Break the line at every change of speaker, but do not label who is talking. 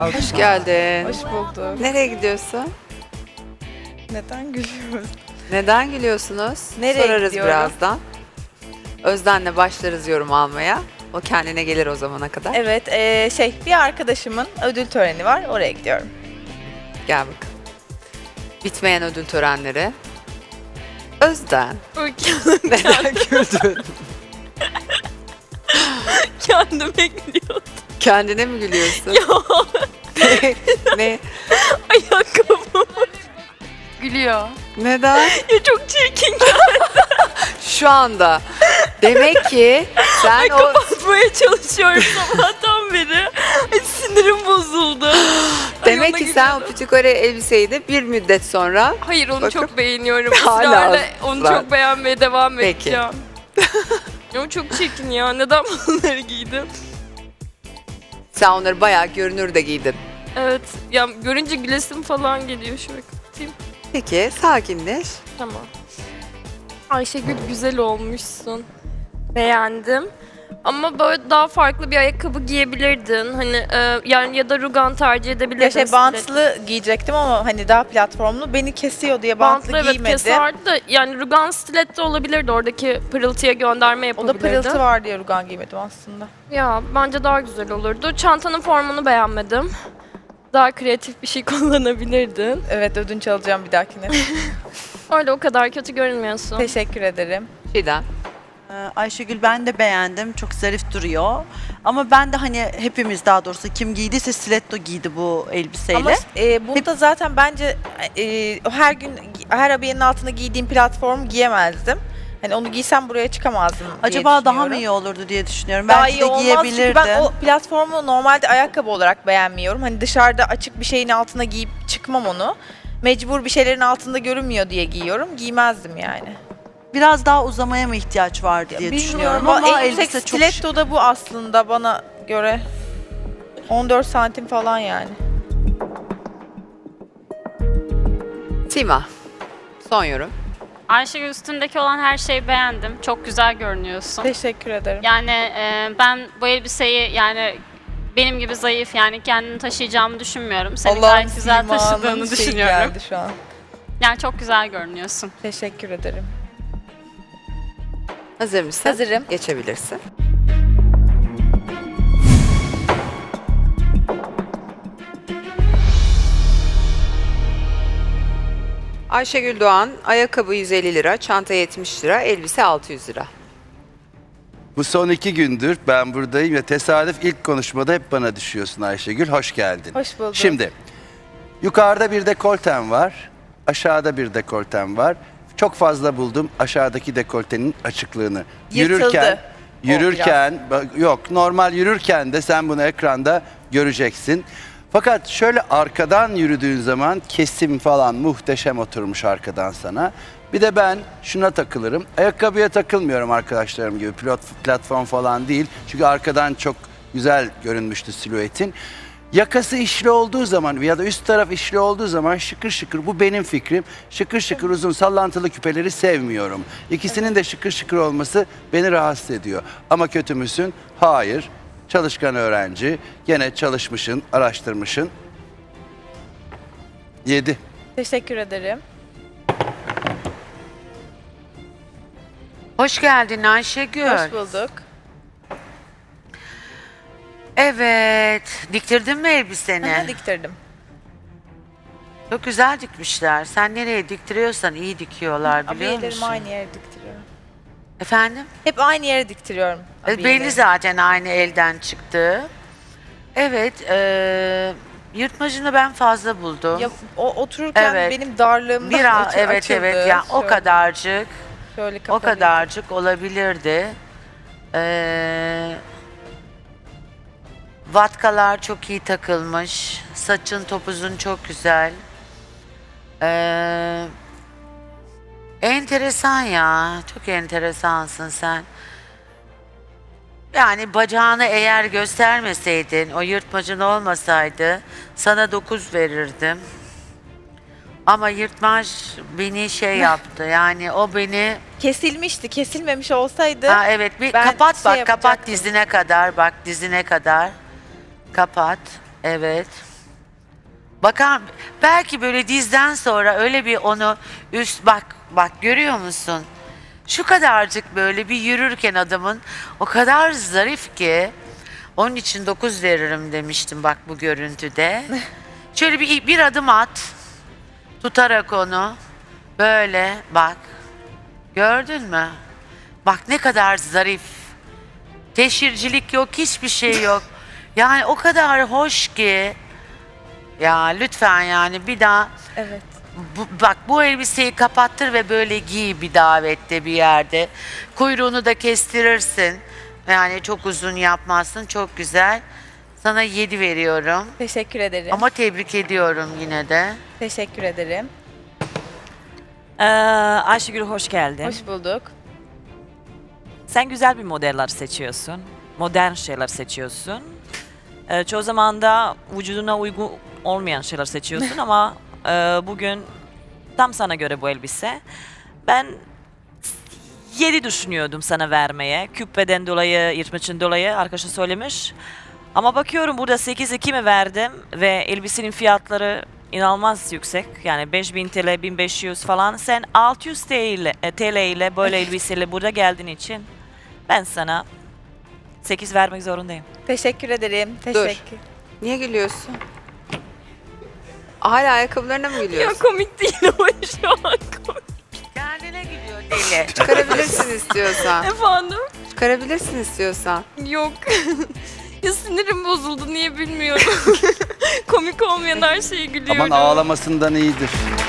Hoş geldin.
Hoş bulduk.
Nereye gidiyorsun?
Neden gülüyoruz?
Neden gülüyorsunuz?
Nereye
Sorarız
gidiyorum?
birazdan. Özden'le başlarız yorum almaya. O kendine gelir o zamana kadar.
Evet, bir arkadaşımın ödül töreni var. Oraya gidiyorum.
Gel bakalım. Bitmeyen ödül törenleri. Özden. Neden güldün?
Kendime gülüyordum.
Kendine mi gülüyorsun? ne?
Ayakkabım gülüyor.
Neden?
Ya çok çirkin
Şu anda. Demek ki sen o...
kapatmaya çalışıyorum sabahtan beri. Ay, sinirim bozuldu.
Demek
ona
ki sen o
gülüyordum.
Pütükore elbiseyi de bir müddet sonra...
Hayır onu
Bakın.
çok beğeniyorum.
Hala
Israrla onu
ısrar.
çok beğenmeye devam
Peki.
edeceğim. Ama çok çirkin ya. Neden bunları giydim?
Sen onları bayağı görünür de giydin.
Evet. Ya görünce gülesim falan geliyor. Şöyle kapatayım.
Peki sakinleş.
Tamam. Ayşegül güzel olmuşsun. Beğendim. Ama böyle daha farklı bir ayakkabı giyebilirdin. Hani yani ya da rugan tercih edebilirdin.
Ya bantlı giyecektim ama hani daha platformlu. Beni kesiyor diye bantlı,
evet
giymedim.
keserdi de yani rugan stiletto olabilirdi. Oradaki pırıltıya gönderme
O
yapabilirdin.
da pırıltı var diye rugan giymedim aslında.
Ya bence daha güzel olurdu. Çantanın formunu beğenmedim. Daha kreatif bir şey kullanabilirdin.
Evet, ödünç alacağım bir dahakine.
Öyle o kadar kötü görünmüyorsun.
Teşekkür ederim.
Çiğdem.
Ayşegül ben de beğendim. Çok zarif duruyor. Ama ben de hani hepimiz daha doğrusu kim giydiyse stiletto giydi bu elbiseyle.
Ama bunda zaten bence her gün her abiyenin altına giydiğim platform giyemezdim. Hani onu giysem buraya çıkamazdım diye
Acaba daha mı
düşünüyorum.
iyi olurdu diye düşünüyorum.
Daha
Belki
iyi
de
olmaz çünkü
giyebilirdi.
ben o platformu normalde ayakkabı olarak beğenmiyorum. Hani dışarıda açık bir şeyin altına giyip çıkmam onu. Mecbur bir şeylerin altında görünmüyor diye giyiyorum. Giymezdim yani.
Biraz daha uzamaya mı ihtiyaç vardı diye düşünüyorum ama
en yüksek
elbise çok
stiletto da bu aslında bana göre. 14 santim falan yani.
Sima. Son yorum.
Ayşegül üstündeki olan her şeyi beğendim. Çok güzel görünüyorsun.
Teşekkür ederim.
Yani ben bu elbiseyi yani benim gibi zayıf yani kendini taşıyacağımı düşünmüyorum. Senin gayet güzel taşıdığını düşünüyorum.
Geldi şu an.
Yani çok güzel görünüyorsun.
Teşekkür ederim.
Hazır mısın?
Hazırım.
Geçebilirsin. Ayşegül Doğan, ayakkabı 150 lira, çanta 70 lira, elbise 600 lira.
Bu son 2 gündür ben buradayım ve tesadüf ilk konuşmada hep bana düşüyorsun Ayşegül. Hoş geldin.
Hoş bulduk.
Şimdi yukarıda bir dekolten var, aşağıda bir dekolten var. Çok fazla buldum aşağıdaki dekoltenin açıklığını.
Yırtıldı
Yürürken yok normal yürürken de sen bunu ekranda göreceksin. Fakat şöyle arkadan yürüdüğün zaman kesim falan muhteşem oturmuş arkadan sana. Bir de ben şuna takılırım. Ayakkabıya takılmıyorum arkadaşlarım gibi. Platform falan değil. Çünkü arkadan çok güzel görünmüştü silüetin. Yakası işli olduğu zaman ya da üst taraf işli olduğu zaman şıkır şıkır, bu benim fikrim. Şıkır şıkır uzun sallantılı küpeleri sevmiyorum. İkisinin de şıkır şıkır olması beni rahatsız ediyor. Ama kötü müsün? Hayır. Çalışkan öğrenci. Gene çalışmışın, araştırmışın. 7.
Teşekkür ederim.
Hoş geldin Ayşegül.
Hoş bulduk.
Evet. Diktirdin mi elbiseni?
Aha, diktirdim.
Çok güzel dikmişler. Sen nereye diktiriyorsan iyi dikiyorlar biliyor
Abiyelerimi
musun?
aynı yere diktiriyorum.
Efendim?
Hep aynı yere diktiriyorum. abiyeleri.
Belli zaten aynı elden çıktı. Evet. Yırtmacını ben fazla buldum.
Ya, otururken
Evet.
benim darlığımdan
Bir evet
açıldı.
evet ya o
Şöyle-
kadarcık.
Şöyle
O
kapalıydı.
kadarcık olabilirdi. Vatkalar çok iyi takılmış. Saçın topuzun çok güzel. Enteresan ya. Çok enteresansın sen. Yani bacağını eğer göstermeseydin, o yırtmacın olmasaydı sana 9 verirdim. Ama yırtmaç beni şey yaptı. Yani o beni...
Kesilmişti. Kesilmemiş olsaydı
Ha evet bir
ben
kapat
şey
bak kapat
yapacaktım.
dizine kadar bak dizine kadar. Kapat. Evet. Bakar, belki böyle dizden sonra öyle bir onu bak görüyor musun? Şu kadarcık böyle bir yürürken adamın o kadar zarif ki onun için 9 veririm demiştim bak bu görüntüde. Şöyle bir adım at. Tutarak onu böyle bak. Gördün mü? Bak ne kadar zarif. Teşhircilik yok, hiçbir şey yok. Yani o kadar hoş ki. Ya lütfen yani bir daha
Evet.
bak bu elbiseyi kapattır ve böyle giy bir davette bir yerde. Kuyruğunu da kestirirsin. Yani çok uzun yapmazsın. Çok güzel. Sana 7 veriyorum.
Teşekkür ederim.
Ama tebrik ediyorum yine de.
Teşekkür ederim.
Ayşegül hoş geldin.
Hoş bulduk.
Sen güzel bir modeller seçiyorsun. Modern şeyler seçiyorsun. Çoğu zaman da vücuduna uygun olmayan şeyler seçiyorsun ama bugün tam sana göre bu elbise. Ben 7 düşünüyordum sana vermeye. Küpeden dolayı, yırtmaçın dolayı arkadaşın söylemiş. Ama bakıyorum burada 8-2 mi verdim ve elbisenin fiyatları inanılmaz yüksek. Yani 5000 TL, 1500 falan. Sen 600 TL ile böyle elbiseyle burada geldiğin için ben sana 8 vermek zorundayım.
Teşekkür ederim. Teşekkür.
Niye gülüyorsun? Hala ayakkabılarına mı
Ya
gülüyorsun?
komik değil ama şu an komik.
Kendine gidiyor deli.
Çıkarabilirsin istiyorsan.
Efendim?
Çıkarabilirsin istiyorsan.
Yok. Ya sinirim bozuldu niye bilmiyorum. Komik olmayan her şeye gülüyorum.
Aman ağlamasından iyidir.